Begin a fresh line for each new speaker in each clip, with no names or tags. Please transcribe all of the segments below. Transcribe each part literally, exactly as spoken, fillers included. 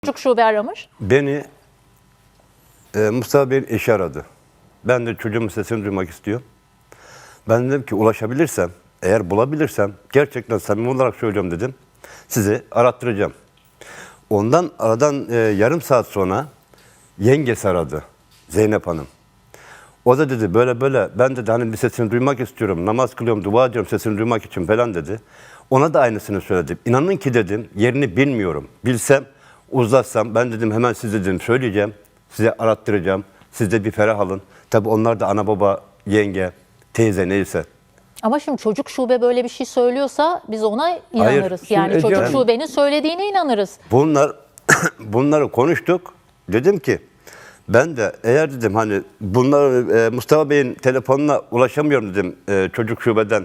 Çocuk şube aramış.
Beni e, Mustafa Bey'in eşi aradı. Ben de çocuğumun sesini duymak istiyorum. Ben dedim ki ulaşabilirsem, eğer bulabilirsem, gerçekten samimi olarak söylüyorum dedim, sizi arattıracağım. Ondan aradan e, yarım saat sonra yengesi aradı, Zeynep Hanım. O da dedi böyle böyle, ben dedi hani bir sesini duymak istiyorum, namaz kılıyorum, dua ediyorum sesini duymak için falan dedi. Ona da aynısını söyledim. İnanın ki dedim, yerini bilmiyorum. Bilsem, uzlaşsam, ben dedim hemen size dedim söyleyeceğim, size arattıracağım, siz de bir ferah alın. Tabii onlar da ana baba, yenge, teyze neyse.
Ama şimdi çocuk şube böyle bir şey söylüyorsa biz ona inanırız.
Hayır,
yani
şimdi
çocuk
Ece-
şubenin söylediğine inanırız.
Bunlar bunları konuştuk. Dedim ki ben de eğer dedim hani bunlar e, Mustafa Bey'in telefonuna ulaşamıyorum dedim e, çocuk şubeden.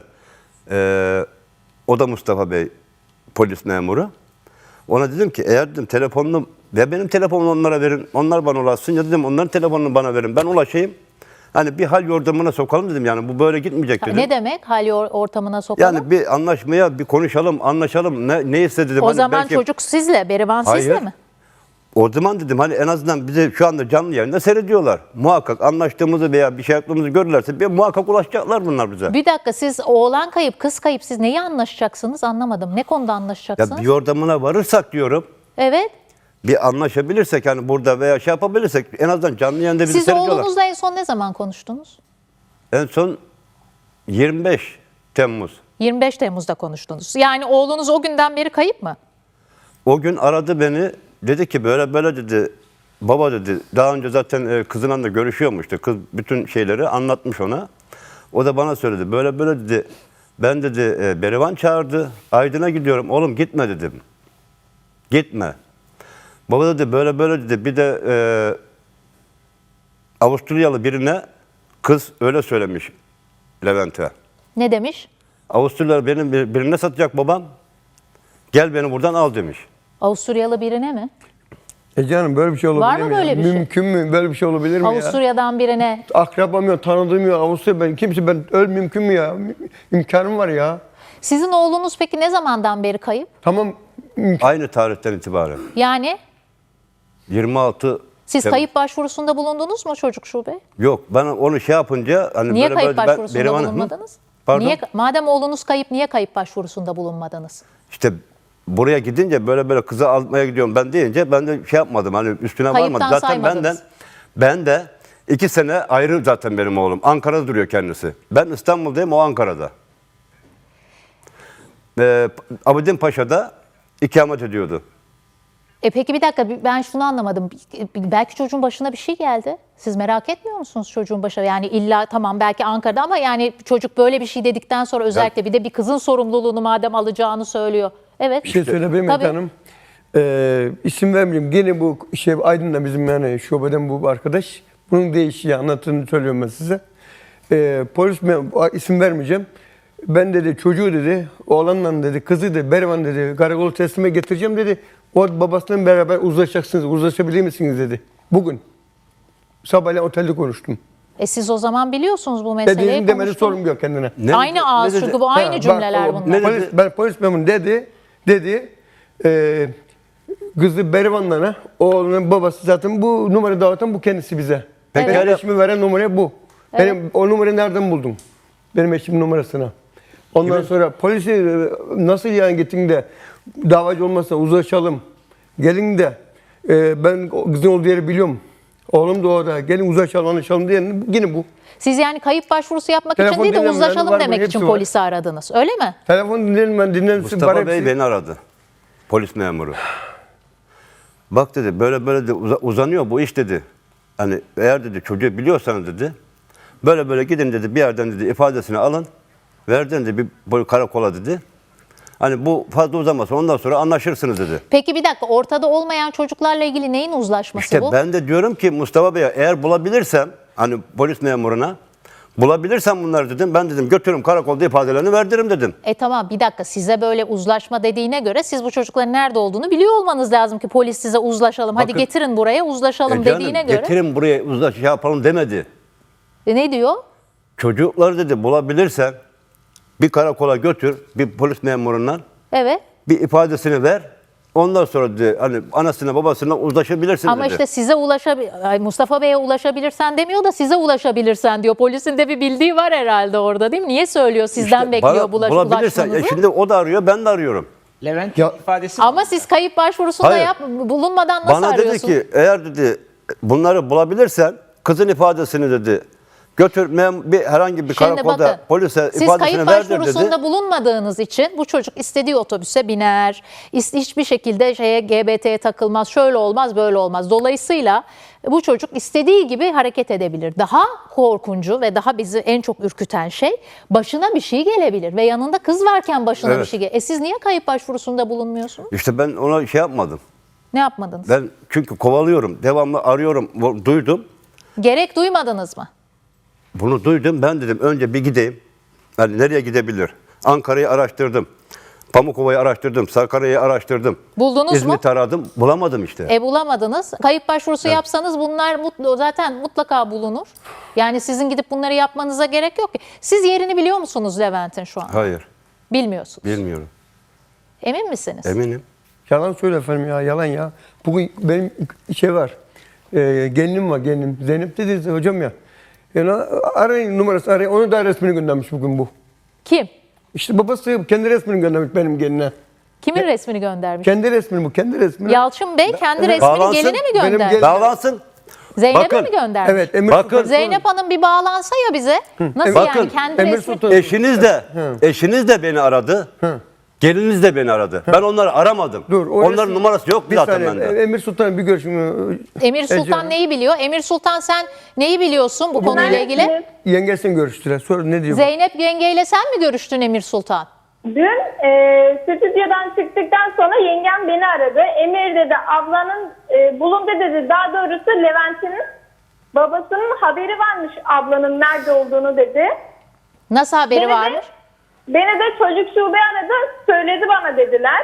E, o da Mustafa Bey polis memuru. Ona dedim ki eğer dedim telefonunu ya benim telefonumu onlara verin. Onlar bana ulaşsın ya dedim onların telefonunu bana verin. Ben ulaşayım. Hani bir hal yordamına sokalım dedim yani bu böyle gitmeyecek dedim.
Ne demek hal or- ortamına sokalım?
Yani bir anlaşmaya bir konuşalım, anlaşalım. Ne neyse dedim.
o
Hani
zaman
belki-
çocuk sizle, Berivan sizle
Hayır.
mi?
O zaman dedim hani en azından bizi şu anda canlı yayında seyrediyorlar. Muhakkak anlaştığımızı veya bir şey yaptığımızı görürlerse bir muhakkak ulaşacaklar bunlar bize.
Bir dakika, siz oğlan kayıp, kız kayıp, siz neyi anlaşacaksınız anlamadım. Ne konuda anlaşacaksınız?
Ya bir yordamına varırsak diyorum.
Evet.
Bir anlaşabilirsek hani burada veya şey yapabilirsek en azından canlı yayında bizi
Siz
seyrediyorlar.
oğlunuzla en son ne zaman konuştunuz?
En son yirmi beş Temmuz.
yirmi beş Temmuz'da konuştunuz. Yani oğlunuz o günden beri kayıp mı?
O gün aradı beni. Dedi ki böyle böyle dedi. Baba dedi. Daha önce zaten e, kızınla da görüşüyormuştu. Kız bütün şeyleri anlatmış ona. O da bana söyledi. Böyle böyle dedi. Ben dedi e, Berivan çağırdı. Aydın'a gidiyorum. Oğlum gitme dedim. Gitme. Baba dedi böyle böyle dedi. Bir de e, Avusturyalı birine kız öyle söylemiş Levent'e.
Ne demiş?
Avusturyalı benim bir- birine satacak babam. Gel beni buradan al demiş.
Avusturyalı birine mi?
Ece Hanım böyle bir şey olabilir
Var mı
mi? ya?
böyle bir şey?
Mümkün mü? Böyle bir şey olabilir mi ya?
Avusturya'dan birine.
Akrabam yok, tanıdığım yok. Avusturya ben kimse ben öl mümkün mü ya? Mü- İmkanım var ya.
Sizin oğlunuz peki ne zamandan beri kayıp?
Tamam
Aynı tarihten itibaren.
Yani
yirmi altı
siz
Tem-
kayıp başvurusunda bulundunuz mu çocuk şube?
Yok ben onu şey yapınca hani
Niye
böyle
kayıp
böyle
başvurusunda
Berivan- Hı?
bulunmadınız?
Pardon.
Niye, madem oğlunuz kayıp, niye kayıp başvurusunda bulunmadınız?
İşte buraya gidince böyle böyle kızı almaya gidiyorum ben deyince ben de şey yapmadım hani üstüne
Kayıptan
varmadım. Zaten
saymadınız.
benden ben de iki sene ayrı zaten benim oğlum. Ankara'da duruyor kendisi. Ben İstanbul'dayım o Ankara'da. Ee, Abidin Paşa'da ikamet ediyordu.
E peki bir dakika, ben şunu anlamadım. Belki çocuğun başına bir şey geldi. Siz merak etmiyor musunuz çocuğun başına? Yani illa tamam belki Ankara'da ama yani çocuk böyle bir şey dedikten sonra özellikle bir de bir kızın sorumluluğunu madem alacağını söylüyor. Evet.
bir şey söyleyeyim mi
Tabii.
hanım? Ee, isim vermeyeyim. Gene bu şey Aydın'da bizim yani şubeden bu arkadaş. Bunun değişiği anlattığını söylüyorum ben size. Ee, polis mem- isim vermeyeceğim. Ben dedi çocuğu dedi, oğlanla dedi, kızı dedi, Berivan dedi, karakolu teslime getireceğim dedi. O babasıyla beraber uzlaşacaksınız, uzlaşabilir misiniz dedi. Bugün. Sabahleyin otelde konuştum.
E siz o zaman biliyorsunuz bu meseleyi.
Dediğim demeli
konuştunuz.
sorum yok kendine.
Ne-
Aynı ağız
ne dedi?
çünkü bu aynı
Ha, bak,
cümleler
o-
bunlar.
Ne
Polis,
dedi?
ben polis memuru dedi, dedi, e, kızı Berivan'la oğlunun babası zaten bu numara dağıtan bu kendisi bize.
Peki
Benim
öyle-
eşimi veren numara bu. Benim o numarayı nereden buldum? Benim eşimin numarasını. Ondan sonra polisi e, nasıl yani gittin de davacı olmazsa uzlaşalım. Gelin de e, ben o kızın olduğu yeri biliyorum. Oğlum da orada. Gelin uzlaşalım, anlaşalım diye yine bu.
Siz yani kayıp başvurusu yapmak
Telefon
için değil de
dinlemeyen
uzlaşalım
var mı?
demek
Hepsi
için
var.
polisi aradınız. Öyle mi?
Telefon dinlerim ben dinlerim.
Mustafa Bey beni aradı. Polis memuru. Bak dedi böyle böyle de uza- uzanıyor bu iş dedi. Hani eğer dedi çocuğu biliyorsanız dedi. Böyle böyle gidin dedi bir yerden dedi ifadesini alın. Verdin dedi bir böyle karakola dedi. Hani bu fazla uzamasa ondan sonra anlaşırsınız dedi.
Peki bir dakika, ortada olmayan çocuklarla ilgili neyin uzlaşması
İşte
bu?
ben de diyorum ki Mustafa Bey'e eğer bulabilirsem hani polis memuruna bulabilirsem bunları dedim ben dedim götürürüm karakolda ifadelerini verdiririm dedim.
E tamam, bir dakika, size böyle uzlaşma dediğine göre siz bu çocukların nerede olduğunu biliyor olmanız lazım ki polis size uzlaşalım. Hadi
Bakın-
getirin buraya uzlaşalım
E canım,
dediğine göre.
getirin buraya uzlaş şey yapalım demedi.
E ne diyor?
Çocukları dedi bulabilirsen bir karakola götür bir polis memurundan
Evet.
bir ifadesini ver Ondan sonra dedi hani anasına babasına uzlaşabilirsin
Ama
dedi.
işte size ulaşabilir, Mustafa Bey'e ulaşabilirsen demiyor da size ulaşabilirsen diyor. Polisin de bir bildiği var herhalde orada değil mi? Niye söylüyor? Sizden
İşte
bekliyor
bana
bulaş,
bulabilirsen. E
ulaşmanızı.
şimdi o da arıyor, ben de arıyorum.
Levent
Ya-
ifadesi
Ama siz kayıp başvurusunda
Hayır.
yap, bulunmadan nasıl
Bana
arıyorsunuz?
dedi ki eğer dedi bunları bulabilirsen kızın ifadesini dedi götür mem- bir herhangi bir
Şimdi
karakolda
bakın,
polise
siz
ifadesini
kayıp
verdir
başvurusunda
dedi.
bulunmadığınız için bu çocuk istediği otobüse biner, is- hiçbir şekilde şeye G B T'ye takılmaz, şöyle olmaz, böyle olmaz. Dolayısıyla bu çocuk istediği gibi hareket edebilir. Daha korkuncu ve daha bizi en çok ürküten şey başına bir şey gelebilir ve yanında kız varken başına
Evet.
bir şey gelebilir. E siz niye kayıp başvurusunda bulunmuyorsunuz?
İşte ben ona şey yapmadım.
Ne yapmadınız?
Ben çünkü kovalıyorum, devamlı arıyorum, bu- duydum.
Gerek duymadınız mı?
Bunu duydum. Ben dedim önce bir gideyim. Yani nereye gidebilir? Ankara'yı araştırdım. Pamukova'yı araştırdım. Sakarya'yı araştırdım.
Buldunuz mu?
İzmit'i aradım. Bulamadım işte.
E bulamadınız. Kayıp başvurusu yapsanız bunlar mutlu, zaten mutlaka bulunur. Yani sizin gidip bunları yapmanıza gerek yok ki. Siz yerini biliyor musunuz Levent'in şu an?
Hayır.
Bilmiyorsunuz.
Bilmiyorum.
Emin misiniz?
Eminim.
Yalan söyle efendim ya, yalan ya. Bugün benim şey var, e, gelinim var, gelinim. Zeynep dedi hocam ya. Yani arayın numarası, arayın. Onu da resmini göndermiş bugün bu.
Kim?
İşte babası kendi resmini göndermiş benim geline.
Kimin resmini göndermiş?
Kendi resmini bu, kendi resmini.
Yalçın Bey kendi
Evet.
resmini
Bağlansın.
geline mi
Benim
göndermiş?
gelin-
Bağlansın.
Zeynep'e
Bakın.
mi göndermiş?
Evet, Emir
Bakın.
Sultan-
Zeynep Hanım bir bağlansa ya bize. Nasıl
Bakın,
yani kendi
Emir
resmi?
Sultan-
Eşiniz de, eşiniz de beni aradı. Geliniz de beni aradı. Ben onları aramadım.
Dur, o
Onların
resim-
numarası yok
Bir
zaten
saniye,
bende.
Emir Sultan bir görüşüm.
Emir Sultan
Ece-
neyi biliyor? Emir Sultan sen neyi biliyorsun bu konuyla ilgili?
Yengesini görüştüler. Sor ne diyor? bu?
Zeynep yengeyle sen mi görüştün Emir Sultan?
Dün e, stüdyodan çıktıktan sonra yengem beni aradı. Emir dedi ablanın e, bulundu dedi. Daha doğrusu Levent'in babasının haberi varmış ablanın nerede olduğunu dedi.
Nasıl haberi
Beni de-
varmış?
Beni de çocuk şube aradı. Söyledi bana dediler.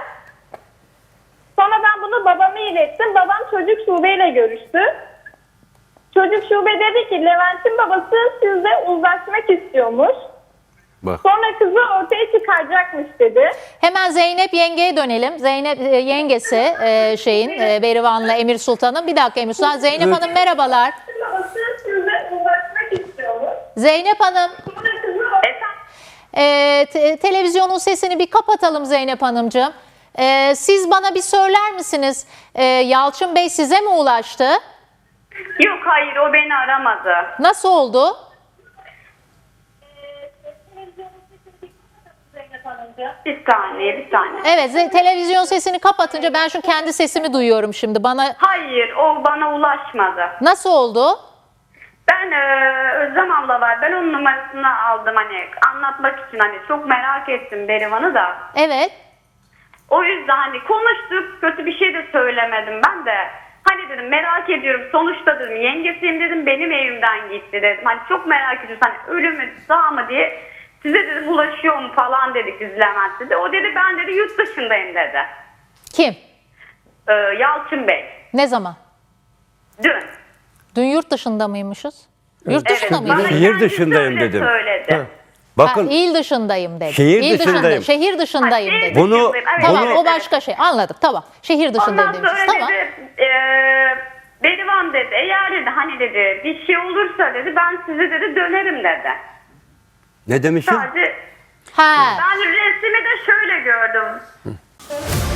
Sonra ben bunu babama ilettim. Babam çocuk şubeyle görüştü. Çocuk şube dedi ki Levent'in babası sizle uzlaşmak istiyormuş.
Bak.
Sonra kızı ortaya çıkaracakmış dedi.
Hemen Zeynep yengeye dönelim. Zeynep e, yengesi e, şeyin e, Berivan'la Emir Sultan'ın. Bir dakika Emir Sultan. Zeynep Hanım merhabalar.
Babası sizle uzlaşmak istiyormuş.
Zeynep Hanım
Sonra kızı Efendim?
e, te- televizyonun sesini bir kapatalım Zeynep Hanımcığım. E, siz bana bir söyler misiniz? E, Yalçın Bey size mi ulaştı?
Yok hayır o beni aramadı.
Nasıl oldu?
Bir saniye bir saniye.
Evet ze- televizyon sesini kapatınca ben şu kendi sesimi duyuyorum şimdi. Bana
Hayır o bana ulaşmadı.
nasıl oldu?
Ben e, Özlem abla var. Ben onun numarasını aldım hani anlatmak için hani çok merak ettim Berivan'ı da.
Evet.
O yüzden hani konuştuk kötü bir şey de söylemedim ben de. Hani dedim merak ediyorum sonuçta dedim yengesiyim dedim benim evimden gitti dedim. Hani çok merak ediyoruz hani ölü mü sağ mı diye size dedim ulaşıyor mu falan dedik biz Levent dedi. O dedi ben dedi yurt dışındayım dedi.
Kim?
Ee, Yalçın Bey.
Ne zaman?
Dün.
Dün yurt dışında mıymışız? Yurt dışında
Evet, bana
mıydık?
Şehir
kendisi
dışındayım
öyle
dedim.
söyledi.
Bakın
Ha, il dışındayım dedi.
Şehir
İl dışında-
dışındayım.
şehir dışındayım
Ha, şehir
dedi.
Bunu-
dışındayım. Evet,
Tamam
evet,
o
evet.
başka şey. Anladık tamam. Şehir dışındayım
Ondan
demişiz.
sonra
Tamam.
dedi e, Berivan dedi eğer dedi hani dedi bir şey olursa dedi ben size dedi dönerim dedi.
ne demişim?
Sadece
Ha.
ben resmi de şöyle gördüm.